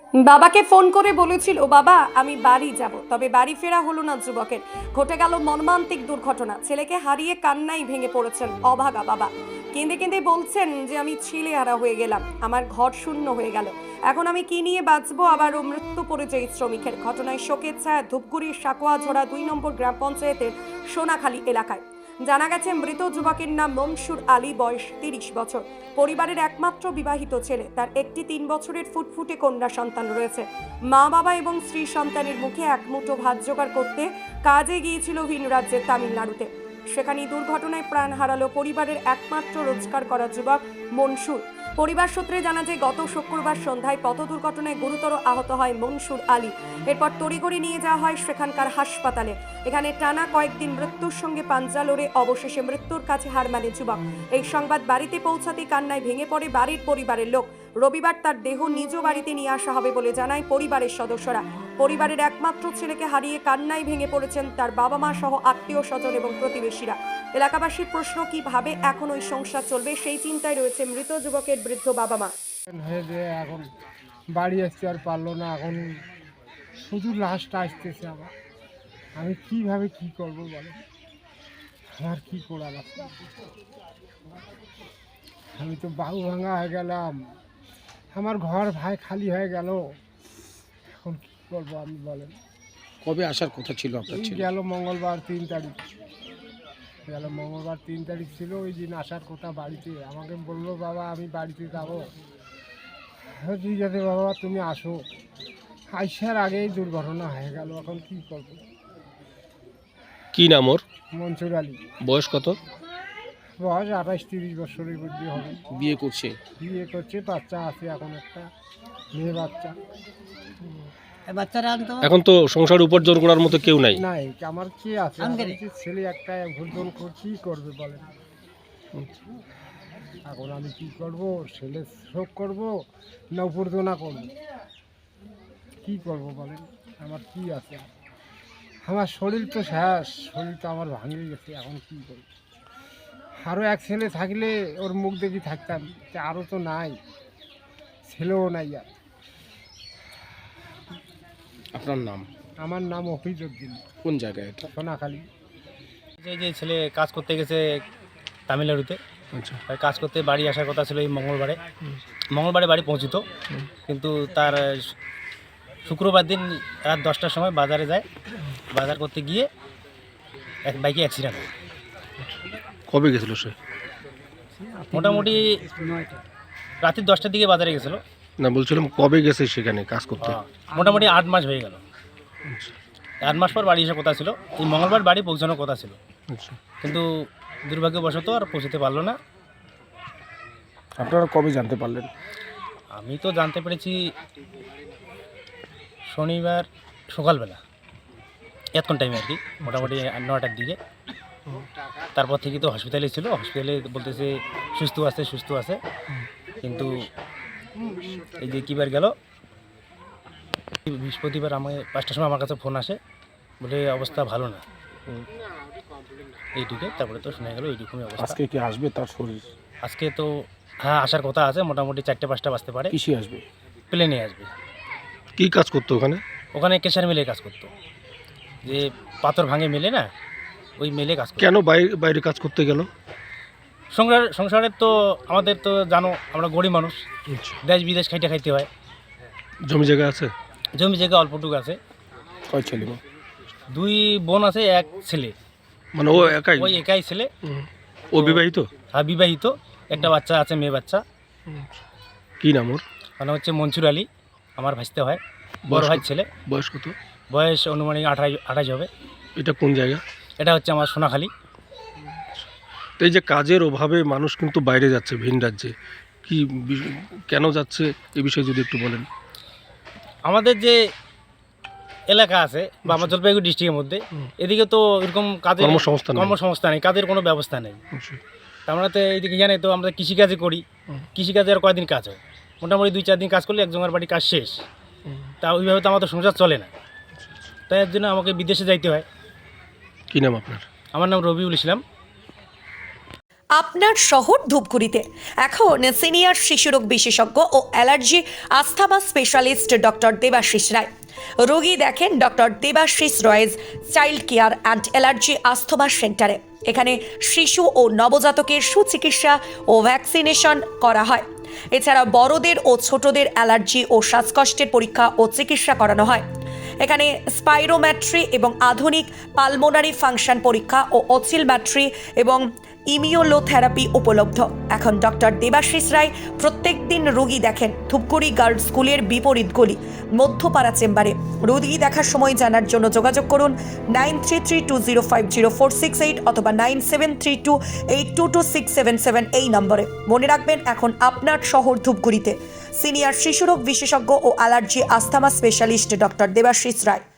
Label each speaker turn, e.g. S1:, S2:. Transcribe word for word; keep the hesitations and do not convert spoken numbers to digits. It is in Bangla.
S1: বাবাকে ফোন করে বলেছিল, বাবা আমি বাড়ি যাব, তবে বাড়ি ফেরা হলো না যুবকের। ঘটে গেল মর্মান্তিক দুর্ঘটনা। ছেলেকে হারিয়ে কান্নায় ভেঙে পড়েছেন অভাগা বাবা। কেঁদে কেঁদে বলছেন যে আমি ছেলেহারা হয়ে গেলাম, আমার ঘর শূন্য হয়ে গেল, এখন আমি কি নিয়ে বাঁচবো। আবারও মৃত্যু পরিচয় শ্রমিকের। ঘটনায় শোকের ছায়া ধূপগুড়ির সাকোয়াঝোড়া দুই নম্বর গ্রাম পঞ্চায়েতের সোনাখালী এলাকায়। জানা গেছে মৃত যুবকের নাম মনসুর আলী, বয়স তিরিশ বছর। পরিবারের একমাত্র বিবাহিত ছেলে। তার একটি তিন বছরের ফুটফুটে কন্যা সন্তান রয়েছে। মা বাবা এবং স্ত্রী সন্তানের মুখে এক মুঠো ভাত জোগাড় করতে কাজে গিয়েছিল ভিন রাজ্যের তামিলনাড়ুতে। সেখানেই দুর্ঘটনায় প্রাণ হারালো পরিবারের একমাত্র রোজগার করা যুবক মনসুর। পরিবার সূত্রে জানা যায় গত শুক্রবার সন্ধ্যায় পথ দুর্ঘটনায় গুরুতর আহত হয় মনসুর আলী। এরপর তড়িঘড়ি নিয়ে যাওয়া হয় সেখানকার হাসপাতালে। এখানে টানা কয়েকদিন মৃত্যুর সঙ্গে পাঞ্জা লড়ে অবশেষে মৃত্যুর কাছে হার মানে যুবক। এই সংবাদ বাড়িতে পৌঁছাতেই কান্নায় ভেঙে পড়ে বাড়ির পরিবারের লোক। রবিবার তার দেহ নিজ বাড়িতে নিয়ে আসা হবে বলে জানায় পরিবারের সদস্যরা। পরিবারের একমাত্র ছেলেকে হারিয়ে কান্নায় ভেঙে পড়েছেন তার বাবা মা সহ আত্মীয় স্বজন এবং প্রতিবেশীরা। এলাকাবাসীর প্রশ্ন, কিভাবে এখন ওই সংসার চলবে সেই চিন্তায় রয়েছে মৃত যুবকের বৃদ্ধ বাবা মা।
S2: হয়ে যে এখন বাড়ি আসতে আর পারলো না, এখন শুধু লাশটা আসতেছে আমার। আমি কিভাবে কি করব বলে, আমার কি করার আছে? আমি তো বাহু ভাঙা হয়ে গেলাম, আমার ঘর ভাই খালি হয়ে গেল, এখন কি করবো আমি বলেন।
S3: কবে আসার কথা ছিল আপনার
S2: এই
S3: ছেলে?
S2: গেল মঙ্গলবার তিন তারিখ গেল মঙ্গলবার তিন তারিখ ছিল, ওই দিন আসার কথা বাড়িতে। আমাকে বললো, বাবা আমি বাড়িতে যাবো। হ্যাঁ ঠিক আছে বাবা তুমি আসো। আইসার আগেই দুর্ঘটনা হয়ে গেল, এখন কি করবো।
S3: কি নাম ওর?
S2: মনসুর আলী,
S3: বয়স কত?
S2: বয়স আঠাশ তিরিশ বছরের মধ্যে হবে।
S3: বিয়ে করছে?
S2: বিয়ে করছে, বাচ্চা আছে, এখন একটা মেয়ে বাচ্চা।
S3: এখন তো সংসার উপার্জন করার মতো কেউ নাই।
S2: নাই, আমার কে আছে? আমার যে ছেলে একটা ভুলজন কি করবে বলেন। এখন আমি কি করব? ছেলে শোক করব না উপার্জনা করব? কি করব বলেন, আমার কি আছে? আমার শরীর তো শেষ, শরীর তো আমার ভাঙে গেছে, এখন কি করব? আরও এক ছেলে থাকলে ওর মুখ দেখি থাকতাম, আরও তো নাই, ছেলেও নাই আর।
S3: আপনার নাম?
S2: আমার নাম অফিজউদ্দিন।
S3: কোন জায়গায় এটা?
S2: সোনাখালী।
S4: এই যে ছেলে কাজ করতে গেছে তামিলনাড়ুতে,
S3: আচ্ছা।
S4: আর কাজ করতে বাড়ি আসার কথা ছিল এই মঙ্গলবারে। মঙ্গলবারে বাড়ি পৌঁছিত, কিন্তু তার শুক্রবার দিন রাত দশটার সময় বাজারে যায়। বাজার করতে গিয়ে এক বাইকে অ্যাক্সিডেন্ট হয়।
S3: কবে গেছিল সে?
S4: মোটামুটি রাত্রি দশটার দিকে বাজারে গেছিলো।
S3: না বলছিলাম কবে গেছে সেখানে কাজ করতে?
S4: মোটামুটি আট মাস হয়ে গেল। আট মাস পর বাড়ি আসার কথা ছিল, এই মঙ্গলবার বাড়ি পৌঁছানোর কথা ছিল,
S3: আচ্ছা।
S4: কিন্তু দুর্ভাগ্যবশত আর পৌঁছতে পারলো না।
S3: আপনারা কবে জানতে পারলেন?
S4: আমি তো জানতে পেরেছি শনিবার সকালবেলা, এতক্ষণ টাইমে আর কি, মোটামুটি নটার দিকে। তারপর থেকে তো হসপিটালে ছিল, হসপিটালে বলতেছে সুস্থ আছে সুস্থ আছে কিন্তু এই যে কিবার গেল বৃহস্পতিবার আমি পাঁচটার সময় আমার কাছে ফোন আসে, বলে অবস্থা ভালো না, এইটুকে। তারপরে তো শোনা গেল এইরকমই অবস্থা।
S3: আজকে কি আসবে তার শরীর?
S4: আজকে তো হ্যাঁ আসার কথা আছে, মোটামুটি চারটে পাঁচটা বাজতে পারে।
S3: কিসে আসবে?
S4: প্লেনে আসবে।
S3: কি কাজ করতো ওখানে?
S4: ওখানে কেশার মিলে কাজ করতো, যে পাথর ভাঙে মেলে না, ওই মেলে কাজ করতো।
S3: কেন বাইরে বাইরে কাজ করতে গেল?
S4: সংসার সংসারের তো আমাদের তো জানো, আমরা গরিব মানুষ, দেশ বিদেশ খাইতে খাইতে হয়।
S3: জমি জায়গা আছে?
S4: জমি জায়গা অল্পটুকু আছে।
S3: কয় ছেলে মেয়ে?
S4: দুই বোন আছে, এক ছেলে।
S3: মানে ও একাই?
S4: ওই একাই ছেলে।
S3: হুম। ও বিবাহিত?
S4: হ্যাঁ বিবাহিত, একটা বাচ্চা আছে, মেয়ে বাচ্চা।
S3: কি নাম ওর?
S4: মানে হচ্ছে মনসুর আলী, আমার ভাসতে হয়, বড়
S3: বয়স
S4: ভাই
S3: কত?
S4: ছেলে।
S3: বয়স কত?
S4: বয়স অনুমানিক আঠাশ আঠাশ হবে।
S3: এটা কোন জায়গা?
S4: এটা হচ্ছে আমার সোনাখালী।
S3: তো এই যে কাজের অভাবে মানুষ কিন্তু বাইরে যাচ্ছে, ভিন রাজ্যে, কি বি- কেন যাচ্ছে এই বিষয়ে যদি একটু বলেন।
S4: আমাদের যে এলাকা আছে বা আমার জলপাইগুড়ি ডিস্ট্রিক্টের মধ্যে, এদিকে তো এরকম কাজের
S3: কর্মসংস্থান নেই।
S4: কর্মসংস্থান নেই, কাজের কোনো ব্যবস্থা নেই।
S3: আচ্ছা।
S4: তা আমরা তো এইদিকে জানি তো, আমরা কৃষিকাজে করি, কৃষিকাজে আর কয়দিন কাজ হয়, মোটামুটি দুই চার দিন কাজ করলে একজনের বাড়ি কাজ শেষ। তা ওইভাবে তো আমাদের সংসার চলে না, তাই এর জন্য আমাকে বিদেশে যাইতে হয়।
S3: কি নাম আপনার?
S4: আমার নাম রবিউল ইসলাম।
S1: আপনার শহর ধূপগুড়িতে এখন সিনিয়র শিশুরোগ বিশেষজ্ঞ ও allergy asthma specialist doctor Debashis Roy. রোগী দেখেন doctor Debashis Roy's child care and allergy asthma সেন্টারে। এখানে শিশু ও নবজাতকের সুচিকিৎসা ও ভ্যাকসিনেশন করা হয়। এছাড়া বড়দের ও ছোটদের অ্যালার্জি ও শ্বাসকষ্টের পরীক্ষা ও চিকিৎসা করানো হয়। এখানে স্পাইরোম্যাট্রি এবং আধুনিক পালমোনারি ফাংশন পরীক্ষা ও অসিলম্যাট্রি এবং ইমিউলোথেরাপি উপলব্ধ। এখন ডক্টর দেবাশিস রায় প্রত্যেক দিন রোগী দেখেন ধূপগুড়ি গার্লস স্কুলের বিপরীত গলি মধ্যপাড়া চেম্বারে। রোগী দেখার সময় জানার জন্য যোগাযোগ করুন nine three three two zero five zero four six eight অথবা nine seven three two eight two two six seven seven এই নম্বরে। মনে রাখবেন, এখন আপনার শহর ধূপগুড়িতে সিনিয়র শিশুরোগ বিশেষজ্ঞ ও allergy asthma specialist doctor Debashis রায়।